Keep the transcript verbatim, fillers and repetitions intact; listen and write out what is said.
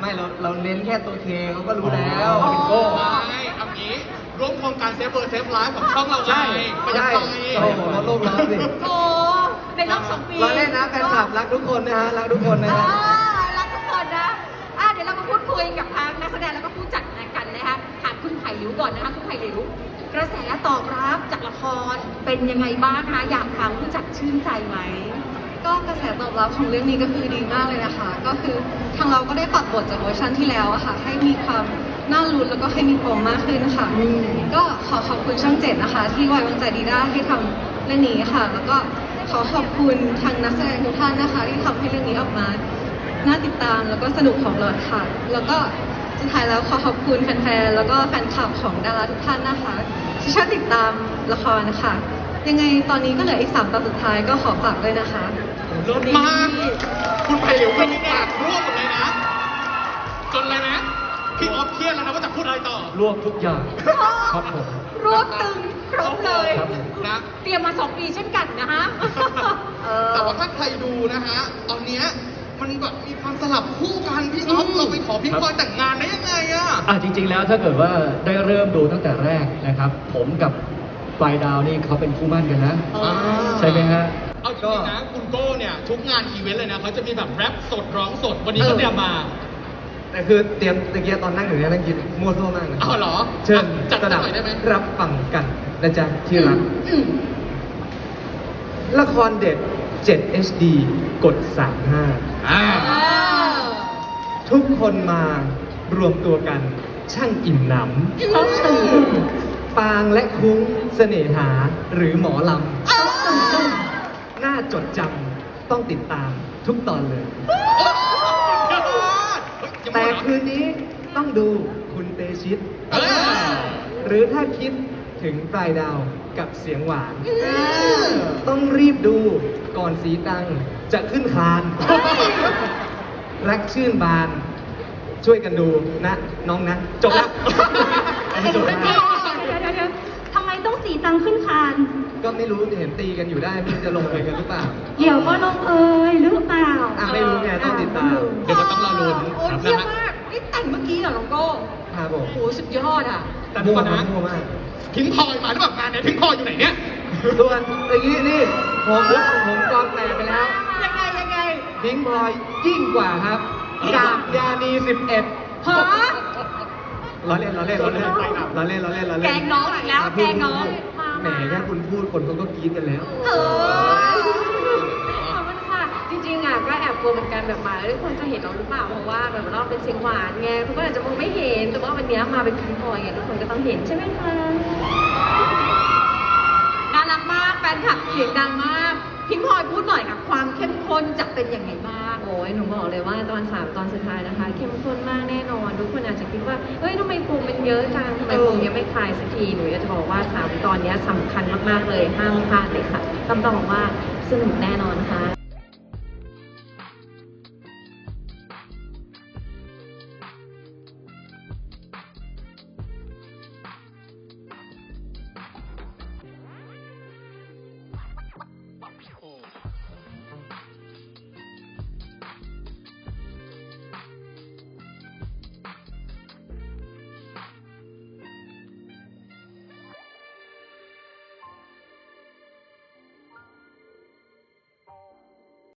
ไม่เราเราเน้นแค่ตัวเคเขาก็รู้แล้วอ๋อเป็นโก้ไม่เอางี้ร่วมโครงการเซฟเบอร์เซฟไลฟ์ของช่องเราไงใช่ประหยัดใช่ไฟโอ้โหลดโลกร้อนสิโอ้ในรอบสองปีเราเล่นนะแฟนคลับรักทุกคนนะฮะรักทุกคนนะอ่าฮะรักทุกคนนะอ่ะเดี๋ยวเรามาพูดคุยกับทางนักแสดงแล้วก็ผู้จัดกันนะคะถามคุณไผ่หลิวก่อนนะคะคุณไผ่หลิวกระแสตอบรับจากละครเป็นยังไงบ้างคะอยากฟังผู้จัดชื่นใจไหมก็กระแสตอบรับของเรื่องนี้ก็คือดีมากเลยนะคะ ก็คือทางเราก็ได้ปรับบทจากเวอร์ชันที่แล้วอะค่ะ ให้มีความน่าลุ้นแล้วก็ให้มีปมมากขึ้นค่ะ ก็ขอขอบคุณช่องเจ็ดนะคะ ที่ไว้วางใจดีด้าให้ทำเรื่องนี้ค่ะ แล้วก็ขอขอบคุณทางนักแสดงทุกท่านนะคะ ที่ทำให้เรื่องนี้ออกมาน่าติดตามแล้วก็สนุกของเราค่ะ แล้วก็สุดท้ายแล้วขอขอบคุณแฟนๆแล้วก็แฟนคลับของดาราทุกท่านนะคะที่ชอบติดตามละครนะคะ ยังไงตอนนี้ก็เหลืออีกสามตอนสุดท้ายก็ขอฝากด้วยนะคะรถมากคุณไผ่เหลวเป็นปากร่วงหมดเลยนะ จนเลยนะพี่ออฟเครียดแล้วนะว่าจะพูดอะไรต่อรวบทุกอย่างครับผมรวบตึงครบเลยครับผมนะเตรียมมาสองปีเช่นกันนะฮะเออแต่ว่าถ้าใครดูนะฮะ ตอนเนี้ยมันแบบมีความสลับคู่กันพี่ออฟเราไปขอพี่พลอยแต่งงานได้ยังไงอะอ่ะจริงๆแล้วถ้าเกิดว่าได้เริ่มดูตั้งแต่แรกนะครับ ผมกับปลายดาวนี่เขาเป็นคู่มั่นกันนะอ่าใช่ไหมฮะเอาจริงๆนะคุณโก้เนี่ยทุกงานอีเวนต์เลยนะเขาจะมีแบบแรปสดร้องสดวันนี้ก็เตรียมมาแต่คือเตรียมตะเกียบตอนนั่งอยู่เนี่ยนั่งกินมั่วซั่วมากนะอ้าวเหรอเชิญจัดสสักนับหน่อยได้ไหมรับฟังกันนะจ๊ะที่รักอืมละครเด็ด เจ็ด เอช ดี กด สามห้าอ่าอ่าทุกคนมารวมตัวกัน ช่างอิ่มหนำปางและคุ้งเสน่หาหรือหมอลำน่าจดจำต้องติดตามทุกตอนเลย แต่คืนนี้ต้องดูคุณเตชิตเออหรือถ้าคิดถึงปลายดาวกับเสียงหวาน ต้องรีบดูก่อนสีตังจะขึ้นคาน รักชื่นบาน ช่วยกันดูนะ น้องนะ จบแล้วเอาไปจบแล้วเดี๋ยวเดี๋ยวเดี๋ยวทำไมต้องสีตังขึ้นคานก็ไม่รู้เห็นตีกันอยู่ได้ไม่รู้จะลงไปกันหรือเปล่าเดี๋ยวก็ลงเอยหรือเปล่าอ่ะไม่รู้ไงต้องติดตามเดี๋ยวมันต้องรอลุ้นโอ้ยครับเยี่ยมนะฮะมาก นี่แต่งเมื่อกี้เหรอน้องโก้ครับผมโอ้โหสุดยอดอ่ะแต่ทุกคนนะมั่วมากพิงพลอยมาหรือเปล่างานเนี่ยพิงพลอยอยู่ไหนเนี่ยส่วนเมื่อกี้นี่ผมผมกองแตกไปแล้วยังไงยังไงพิงพลอยยิ่งกว่าครับกาบยานีสิบเอ็ดฮะล้อเล่นล้อเล่นล้อเล่นล้อเล่นล้อเล่นล้อเล่นแกล้งน้องอีกแล้วะแกล้งน้องแหมแค่คุณพูดคนเขาก็กรี๊ดกันแล้วเออขอบคุณค่ะ จริงๆอ่ะก็แอบกลัวเหมือนกันแบบมาแล้วทุกคนจะเห็นเราหรือเปล่า เพราะว่าแบบเราเป็นเสียงหวานไงทุกคนอาจจะมองไม่เห็น แต่ว่าวันนี้มาเป็นพิงพลอยไงทุกคนก็ต้องเห็นใช่ไหมคะน่ารักมาก แฟนคลับเสียงดังมาก พิงพลอยพูดหน่อยค่ะ ความเข้มข้นจะเป็นยังไงบ้างโอ้ยหนูบอกเลยว่าตอนสามตอนสุดท้ายนะคะ เข้มข้นมากแน่นอน ทุกคนอาจจะคิดว่า เฮ้ยทำไมปมมันเยอะจังทำไมปมยังไม่คลายสักที หนูอยากจะบอกว่าสามตอนนี้สำคัญมากๆเลย ห้ามพลาดเลยค่ะคำตอบว่าสนุกแน่นอนค่ะ